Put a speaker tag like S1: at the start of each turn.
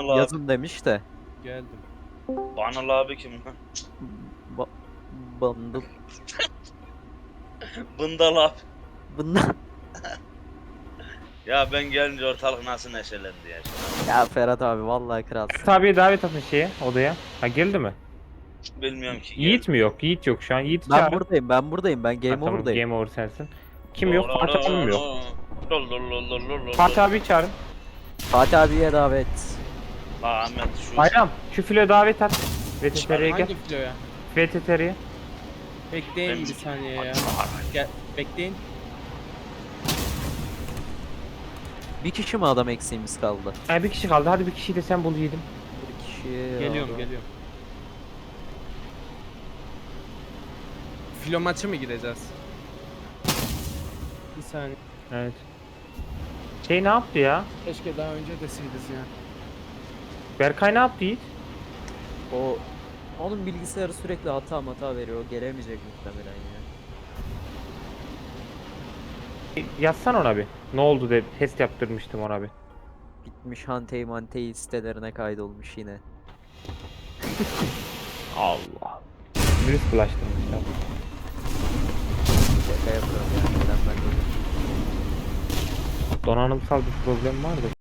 S1: abi.
S2: yazın demiş de.
S3: Geldim.
S1: Banal abi kim lan?
S2: Ba Bundle.
S1: Bındal abi.
S2: Bundan.
S1: Ya ben gelince ortalık nasıl neşelendi ya.
S2: Ya Ferhat abi vallahi kralsın.
S4: Tabii davet atın şeye odaya. Ha geldi mi?
S1: Bilmiyorum ki.
S4: Yiğit mi yok? Yiğit yok şu an. Yiğit
S2: Ben
S4: çağır.
S2: buradayım, ben buradayım. Ben
S4: Ha,
S2: game
S4: tamam
S2: over'dayım.
S4: game over sensin. Kim yok? Fatih abi mi yok?
S1: Fatih
S4: Fatih abi çağırın.
S2: Fatih abiye davet.
S1: Ahmet şu.
S4: Bayram şu filo davet at. VTTR'ye gel.
S3: Hangi filoya?
S4: VTTR'ye.
S3: Bekleyin
S1: Ben-
S3: bir saniye ya. Gel, bekleyin.
S2: Bir kişi mi adam eksiğimiz kaldı?
S4: Ha, bir kişi kaldı. Hadi bir kişiyi de sen bul yiğidim.
S2: Bir kişi.
S3: Geliyorum,
S2: abi.
S3: geliyorum. Filo maçı mı gireceğiz? Bir saniye.
S4: Evet. Şey ne yaptı ya?
S3: Keşke daha önce deseydiniz ya.
S4: Berkay ne yaptı Yiğit?
S2: O onun bilgisayarı sürekli hata veriyor. O gelemeyecek muhtemelen ya.
S4: Yazsan ona bir. Ne oldu de test yaptırmıştım ona bir.
S2: Gitmiş Hantey sitelerine kaydolmuş yine.
S4: Allah. Virüs bulaştırmışlar.
S2: Şaka yapıyorum yani. Neden ben de
S4: Donanımsal bir problem vardı.